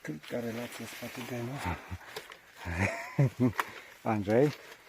Krótka relacja z patogenu. Andrzej.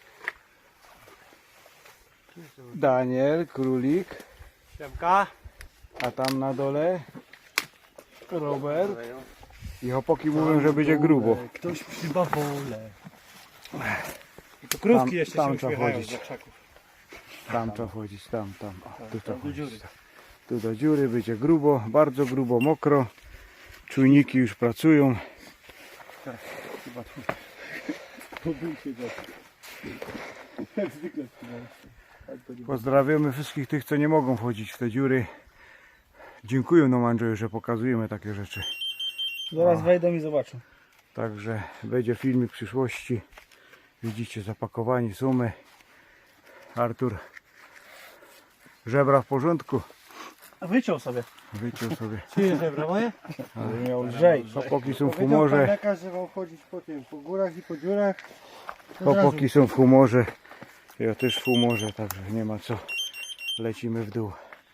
Daniel, królik. Siemka. A tam na dole Robert. I chłopaki mówią, że będzie grubo. Ktoś przy bawole. I to krówki Tam- jeszcze tam się trzeba uśmiechają chodzić. za krzaków. Tam trzeba chodzić, tam. O, tu trzeba do dziury. chodzić. Tu do dziury będzie grubo, bardzo grubo, mokro. Czujniki już pracują. Chyba tu. Pobój się za. Jak zwykle Pozdrawiamy wszystkich tych, co nie mogą wchodzić w te dziury. Dziękuję nam, Andrzeju, że pokazujemy takie rzeczy. Zaraz wejdą i zobaczą. Także będzie filmik w przyszłości. Widzicie, zapakowani są my. Artur, żebra w porządku. A wyciął sobie. Wyciął sobie. Czyje żebra moje? Ale miał lżej. Chłopaki są w Powiedział pan humorze. lekarz, że mam chodzić po tym, po górach i po dziurach. Chłopaki są w humorze. Ja też w humorze, także nie ma co. Lecimy w dół.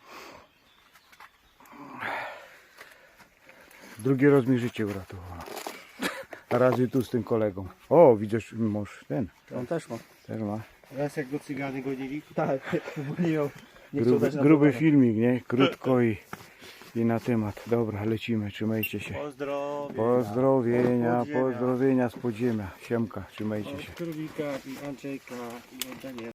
Drugi raz mi życie uratowało. A razy tu z tym kolegą. O, widzisz, mąż ten On też ma. też ma. Raz jak go cygany gonili. Tak, bo nie miał. Nie chciał dać na Gruby pogodę. filmik, nie? Krótko i na temat. Dobra, lecimy, trzymajcie się. Pozdrowienia z podziemia. Siemka, trzymajcie się. Królika i Andrzejka i Daniela.